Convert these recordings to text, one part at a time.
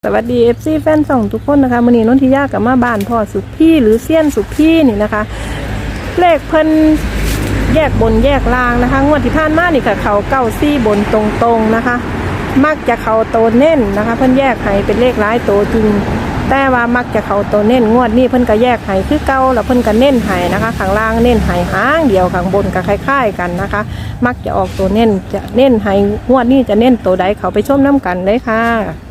สวัสดี FC แฟนส่องทุกคนนะคะมื้อนี้นนทิยากับมาบ้านพ่อสุพี่หรือเซียนสุพี่นี่นะคะเลขเพิ่นแยกบนแยกล่างนะคะงวดที่ผ่านมานี่ค่ะเขา94บนตรงๆนะคะมักจะเขาโตเน้นนะคะเพิ่นแยกให้เป็นเลขหลายโตจริงแต่ว่ามักจะเขาโตเน้นงวดนี้เพิ่นก็แยกให้คือเก่าแล้วเพิ่นก็เน้นให้นะคะข้างล่างเน้นให้หางเดียวข้างบนก็คล้ายๆกันนะคะมักจะออกตัวเน้นจะเน้นให้งวดนี้จะเน้นตัวใดเขาไปชมน้ำกันเลยค่ะ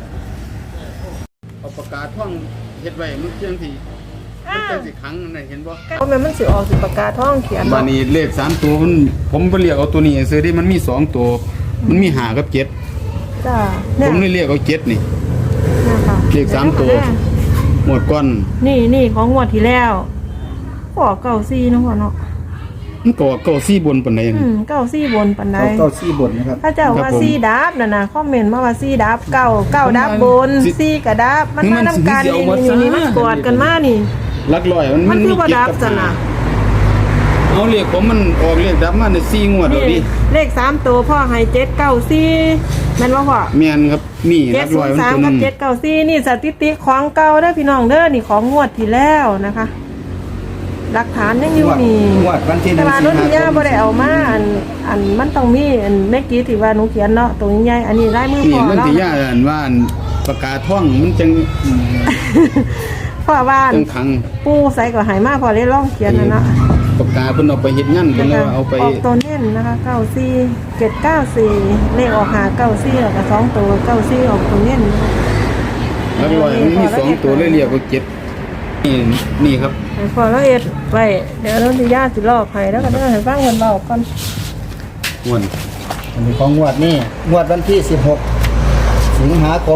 เอาปากกาท่องเฮ็ดไว้มันเพียงที่มันเป็นสิครั้งนั่นเห็นบ่เพราะมันสิออกสิปากกาท่องเขียนบานี้เลข3ตัวมันผมบ่เรียกเอาตัวนี้ซื้อได้มันมี2ตัวมันมี5กับ7 จ้าผมเลยเรียกเอา7นี่นะคะเลข3ตัวหมดก่อนนี่ของงวดที่แล้วขอ94เนาะพ่อเนาะมันก็เก้าซี่บนปานใดนี่ 94บนปานใดเก้าซี่บนนะครับถ้าเจ้าว่า4ดับน่ะคอมเมนต์มาว่า4ดับ9ดับบน4ก็ดับมันมานำกันนี่มันกอดกันมานี่หลักร้อยมันคือบ่ดับซั่นน่ะเอาเลขผมมันออกเลขดับมาใน4งวดแล้วดิเลข3ตัวพ่อให้794แม่นบ่พ่อแม่นครับนี่หลักร้อยมันตัวนึง 794นี่สถิติของเก่าเด้อพี่น้องเด้อนี่ของงวดที่แล้วนะคะหลักฐานยังอยู่นี่วันที่1 แต่ว่านนทิยาบ่ได้เอามาอันมันต้องมีอันเมื่อกี้ที่ว่าหนูเขียนเนาะตัวใหญ่อันนี้ลายมือพ่อนี่มันเนาะสิยาอันว่าปากกาท่องมันจังพ่อบ้านจังขังปู่ใส่ก็ให้มาพอได้ลองเขียนนั่นน่ะปากกาเพิ่นเอาไปเฮ็ดงานเพิ่นเอาไปออกตัวเน้นนะคะ94 794เลขออก594แล้วก็2ตัว94ออกตัวเน้นแล้วร้อยมันมี2ตัวเลยเรียกว่า7นี่ครับพอแล้วเอ็ดไว้เดี๋ยวนนทิยาสิลอกให้แล้วก็เด้อให้ฟังเพิ่นเว้าก่อนม่วนอันนี้ของงวดนี้งวดวันที่16สิงหาคม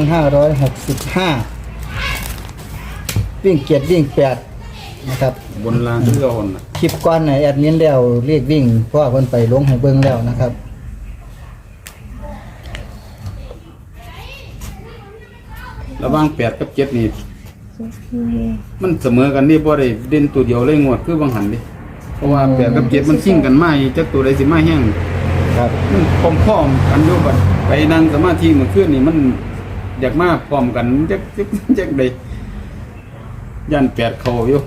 2565วิ่ง7วิ่ง8นะครับบนล่างคือเอาน่ะคลิปก่อนไหนแอดมินแล้วเรียกวิ่งเพราะว่าเพิ่นไปลงให้เบิ่งแล้วนะครับระหว่าง8กับ7นี่มันเสมอกันนี่บ่ได้เด่นตัวเดียวเลยงวดคือบางหันดิเพราะว่า8กับ7มันซิ่งกันมาจักตัวใดสิมาแห้งครับมันพร้อมๆกันอยู่บัดไปนั่งสมาธิเมื่อคืนนี่มันอยากมาพร้อมกันจักได้ย่าน8เข้าอยู่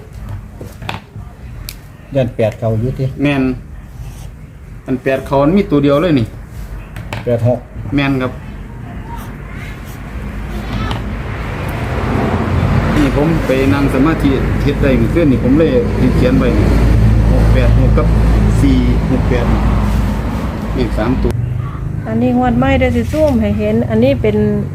ยัน8เข้าอยู่ติแม่นอัน8เข้ามันมีตัวเดียวเลยนี่ 86 แม่นครับผมไปนั่งสมาธิเฮ็ดได้เมื่อคืนนี่ผมเลยเขียนไว้686กับ468อีก3ตัวอันนี้งวดใหม่ได้สิซูมให้เห็นอันนี้เป็น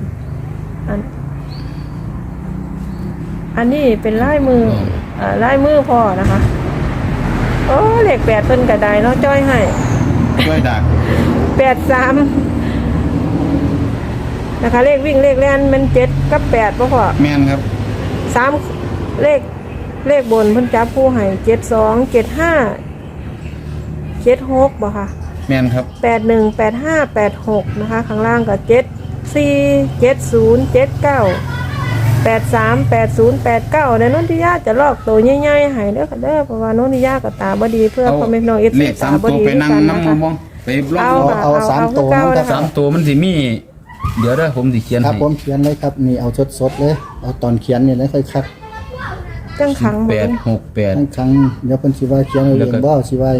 อันนี้เป็นลายมือพ่อนะคะโอ้เลข8เพิ่นก็ได้เนาะจ้อยให้จ้อยดัก 83นะคะเลขวิ่งเลขแล่นมัน7กับ8บ่พ่อแม่นครับ 3เลขบนเพิ่นจับคู่ให้72 75 76บ่ค่ะแม่นครับ 81 85 86นะคะข้างล่างก็74 70 79 83 80 89เดี๋ยวนนทิยาจะลอกตัวใหญ่ๆให้เด้อค่ะเด้อเพราะว่านนทิยาก็ตาบ่ดีเพื่อพ่อแม่น้อง FC ตาบ่ดีไปนั่งนำมองไปลองเอา3ตัวนะครับ3ตัวมันสิมีเดี๋ยวเด้อผมสิเขียนให้ครับผมเขียนเลยครับนี่เอาสดๆเลยเอาตอนเขียนนี่เลยค่อยคัดจังขัง 868 จังขังเดี๋ยวเพิ่นสิว่าเขียนเอาเองบ่สิว่า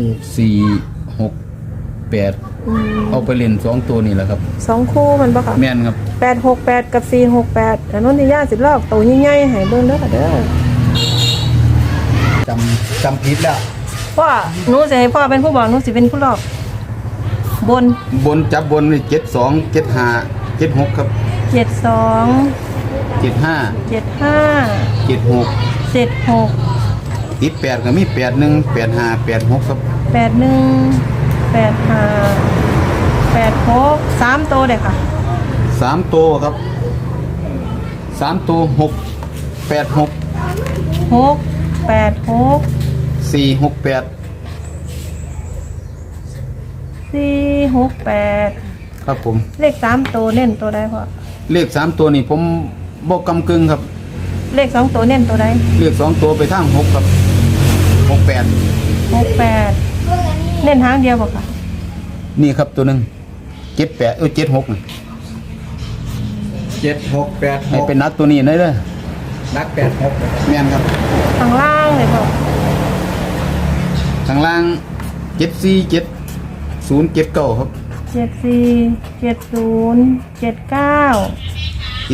468เอาไปเล่น2ตัวนี่แหละครับ 2คู่มันบ่ค่ะแม่นครับ 868กับ468แต่นนทิยาสิลอกตัวใหญ่ๆให้เบิ่งเด้อค่ะเด้อจำผิดแล้วพ่อหนูสิให้พ่อเป็นผู้บอกหนูสิเป็นผู้ลอกบนจับบนนี่72 75 76ครับ 72 75 76 76 ติด8ก็มี81 85 86ครับ 81 85 86 3ตัวเด้อค่ะ 3ตัวครับ3ตัว6 86 6 86 468 468 ครับผมเลข3ตัวเน้นตัวใดพ่อเลข3ตัวนี่ผมบ่กำกึ่งครับเลข2ตัวเน้นตัวใดเลข2ตัวไปทาง6ครับ68 เน้นทางเดียวบ่ค่ะนี่ครับตัวหนึ่ง78 76 7686 ให้เป็นนักตัวนี้ได้เด้อนัก86 แม่นครับข้างล่างเลยพ่อข้างล่าง747079ครับ 747079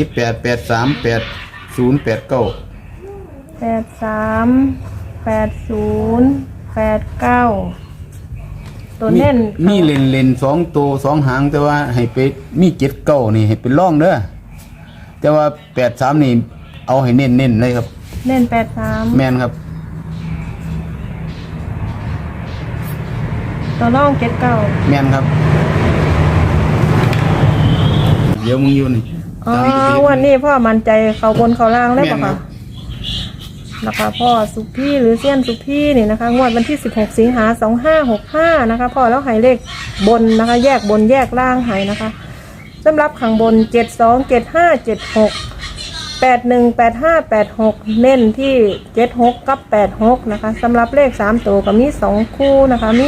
838089ตัวเน้นมีเลน2ตัว2หางแต่ว่าให้ไปมี79นี่ให้เป็นร่องเด้อแต่ว่า83นี่เอาให้เน้นๆเลยครับเน้น83 แม่นครับตัวร่อง79 แม่นครับ เดี๋ยวมึงอยู่นี่อ๋อวันนี้พ่อมั่นใจเขาบนเขาล่างได้ปะแม่นครัคะบนะคะพ่อสุพี่หรือเซียนสุพี่นี่นะคะงวดวันที่16สิงหา2565นะคะพ่อแล้วให้เลขบนนะคะ แยกบนแยกล่างให้นะคะสำหรับข้างบน72 75 76 81 85 86เน้นที่76กับ86นะคะสำหรับเลข3ตัวก็มี2คู่นะคะมี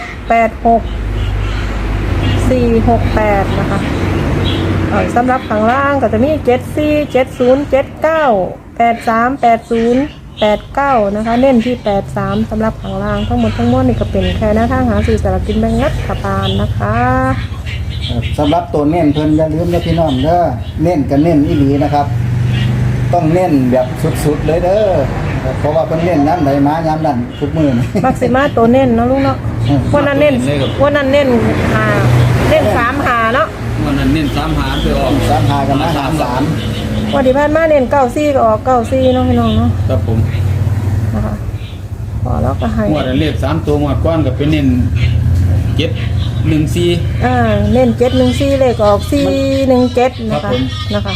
686 468นะคะสำหรับข้างล่างก็จะมี74 70 79 83 80 89นะคะเน้นที่83สำหรับข้างล่างทั้งหมดทั้งมวลนี่ก็เป็นแค่หน้าทางหาสื่อสารกินแบ่งรัฐบาลนะคะสำหรับตัวเน้นเพิ่นอย่าลืมนะพี่น้องเด้อเน้นกันเน้นอีหลีนะครับ ต้องเน้นแบบสุดๆเลยเด้อเพราะว่าเพิ่นเน้นน้ำไหลมายามนั้นทุกมื้อนี่มักซิมาตัวเน้นเนาะลุงเนาะวันนั้นเน้นวันนั้นเน้นหาเน้น3หาเนาะวันนั้นเน้น3หางไปออก 3 5กับมา3 วันที่ผ่านมาเน้น94ก็ออก94เนาะพี่น้องเนาะครับผมนะคะพอแล้วก็ให้งวดอันเลข3ตัวงวดก้อนก็เป็นเน้น714 เน้น714เลขออก417นะคะนะคะ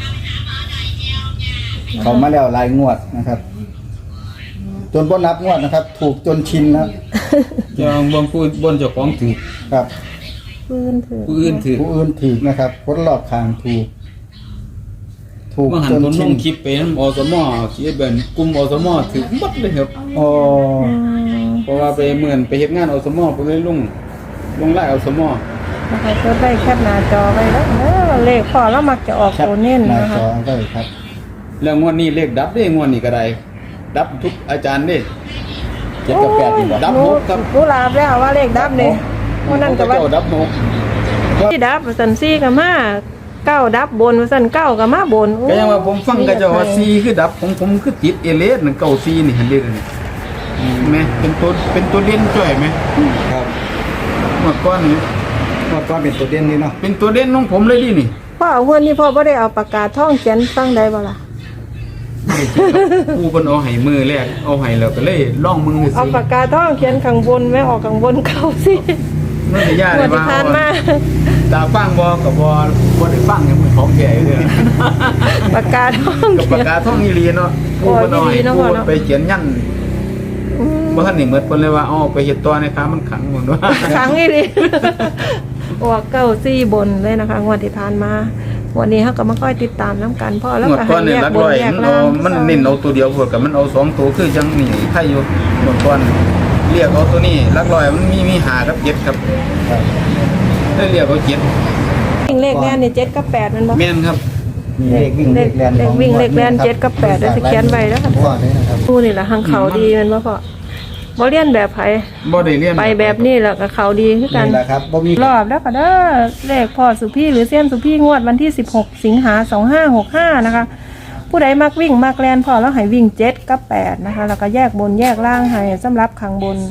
เขามาแล้วหลายงวดนะครับ จนบ่นับงวดนะครับ ถูกจนชินแล้วเจ้าบางผู้บนเจ้าของถูกครับพื้นถือผู้อื่นถูกผู้อื่นถูกนะครับคนรอบข้างถูก ถูกเมื่อหันจนผมชิลนงคลิปไปนำอสมเขียนเป็นกลุ่มอสมถูกหมดเลยครับโอ้เพราะว่าไปเหมือนไปเฮ็ดงานอสมไปเลยลงไล่อสมนะคะเพื่อได้แคปหน้าจอไว้แล้วเลขพอแล้วมักจะออกครับตัวเน้นหน้านะคะจอได้ครับแล้วงวดนี้เลขดับเด้งวดนี้ก็ได้ดับทุกอาจารย์เด้7กับ8นี่บ่ดับหกครับรู้ลาบแล้วว่าเลขดับเลยวันนั้นก็ว่าเจ้าดับหกที่ดับสันซี่กับมาเก้าดับบนสันเก้ากับมาบนก็ยังว่าผมฟังก็เจ้าว่า4คือดับของผมคือติดเอเลสนั่นเก้า4นี่หั่นเด้นี่แม่เป็นตัวเด่นจ้อยไหมครับเมื่อก่อนนี่งวดก่อนเป็นตัวเด่นนี่เนาะเป็นตัวเด่นของผมเลยดินี่พ่อเอาเงินนี่พ่อไ่ได้เอาปากกาท่องเขียนฟังได้บ่ล่ะกูเพิ่นเอาให้มือแรกเอาให้แล้วก็เลยล่องมือเอาสิปากกาท่องเขียนข้างบนไม่ออกข้างบนเก้าสิมันจะยากงเลวดยที่ว่าผ่านมาตาฟังบ่กับบ่ได้ฟังอย่างมือของแก่อยู่เด้อปากกาท่องกับเขีปาย กนกาท่องอีหลีเนาะกูเพิ่นเอาให้กูไปเขียนยันบ่ทันนี่หมดเพิ่นเลยว่าเอาไปเฮ็ดต่อในค้ามันขังหมดว่าครั้งนี้ดิออกเก้าซี่บนเลยนะคะงวดที่ผ่านมาวันนี้เขาก็มาค่อยติดตามน้ำกันพ่อแล้วหมดก็ก่ให้อนนี่แยหลักกบนร้อยแยกมันล่าเอางมันเน้นเอาตัวเดียวพวกกับมันเอา2ตัวคือจังนี่ไผอยู่หมดก่อนเรียกเอาตัวนี้หลักร้อยมันมี5กับ7ครับครับได้เรียกเอา7 วิ่งเลขแล่นนี่7กับ8มันบ่แม่นครับมีเลขวิ่งเลขแลนเลขวิ่งเลขแล่น7กับ8เดี๋ยวจะเขียนไว้แล้วค่ะพ่อเลยนะครับผู้นี่ล่ะหังเขาดีแมันบ่พ่อบ่เรียนแบบไผบ่ได้เรียนไปแบบนี้แล้วก็เขาดีคือกันนี่แหละครับบ่มีรอบแล้วก็เด้อเลขพ่อสุพี่หรือเส้นสุพี่งวดวันที่16สิงหา2565นะคะผู้ใดมักวิ่งมักแลนพ่อแล้วให้วิ่ง7กับ8นะคะแล้วก็แยกบนแยกล่างให้สำหรับข้างบน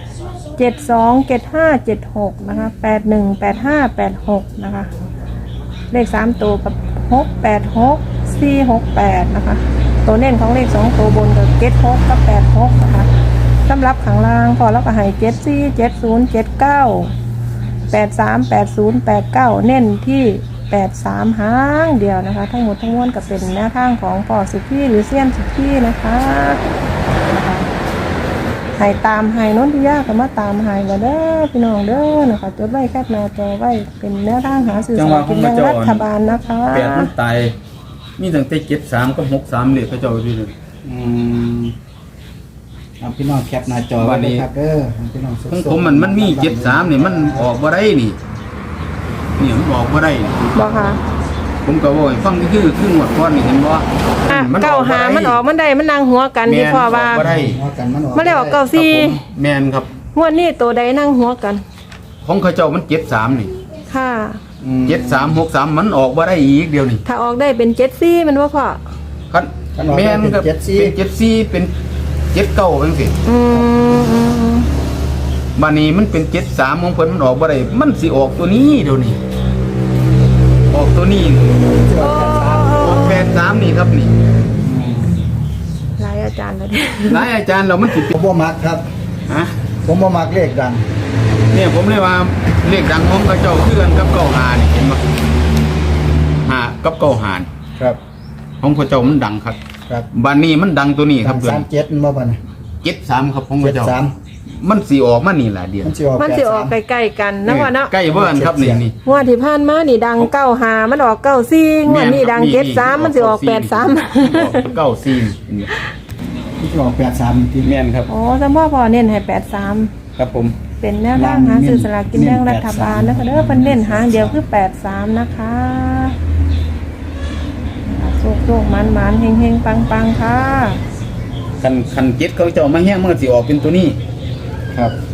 72 75 76นะคะ81 85 86นะคะเลข3ตัวกับ686 468นะคะตัวเน้นของเลข2ตัวบนก็76กับ86นะคะสำหรับข้างล่างพอแล้วก็ให้74 70 79 83 80 89เน้นที่83หางเดียวนะคะทั้งหมดทั้งมวลก็เป็นแนวทางของพ่อสุพี่หรือเซียนสุพี่นะคะให้ตามให้นนทิยาก็มาตามให้ก็เด้อพี่น้องเด้อนะคะจดไว้แคปหน้าจอไว้เป็นแนวทางหาสื่อสารกินแบ่งรัฐบาลนะคะ 8มันตายมีตั้งแต่73กับ63เลยพระเจ้าอยู่นี่อืมเอาพี่น้องแคปหน้าจอไว้เลยครับเด้อพี่น้องสุขของผมมันมี73นี่มันออกบ่ได้นี่มันออกบ่ได้นี่บอกค่ะผมก็บอกให้ฟังคือหมวดก้อนนี่เห็นบ่อ่ะเก้าหามันออกมันได้มันนั่งหัวกันที่พ่อว่าบ่ได้ว่ากันมันออกมันได้ออกเก้าครับสี่ผมแม่นครับงวดนี้ตัวใดนั่งหัวกันของเขาเจ้ามัน73นี่ค่ะ 7363มันออกบ่ได้อีกเดียวนี่ถ้าออกได้เป็น74มันว่าพ่อคันแม่นครับเป็น74เป็น79จังซี่อืมบัดนี้มันเป็น73ของเพิ่นมันออกบ่ได้มันสิออกตัวนี้เดี๋ยวนี้ออกตัวนี้ออก83นี่ครับนี่หลายอาจารย์แล้วดิหลายอาจารย์เรามันสิผมบ่มักครับฮะผมบ่มักเลขดังเนี่ยผมเลยว่าเลขดังของเขาเจ้าคือกันกับ95นี่เห็นบ่หากับ95นี่ครับของเขาเจ้ามันดังครับครับบัดนี้มันดังตัวนี้ครับสามเจ็ดมันบ่บัดนี้ 73ครับของเขาเจ้า 73 มันสิออกมานี่ล่ะเดียวมันสิออกมันสิออก 83 ใกล้ๆกันนะว่าเนาะใกล้เบิ่นครับนี่นี่งวดที่ผ่านมานี่ดัง95มันออก94งวดนี้ดัง73มันสิออก83 94นี่มันสิออก83ที่แม่นครับโอ้สมพ่อเน้นให้83 ครับผมเป็นแนวทางหาซื้อสลากกินแบ่งรัฐบาลนะคะเด้อเพิ่นเน้นหางเดียวคือ83นะคะโชคๆมันๆเฮงๆปังๆค่ะคันเจ็ดเขาเจ้ามาแห้งมันก็สิออกเป็นตัวนี้ครับ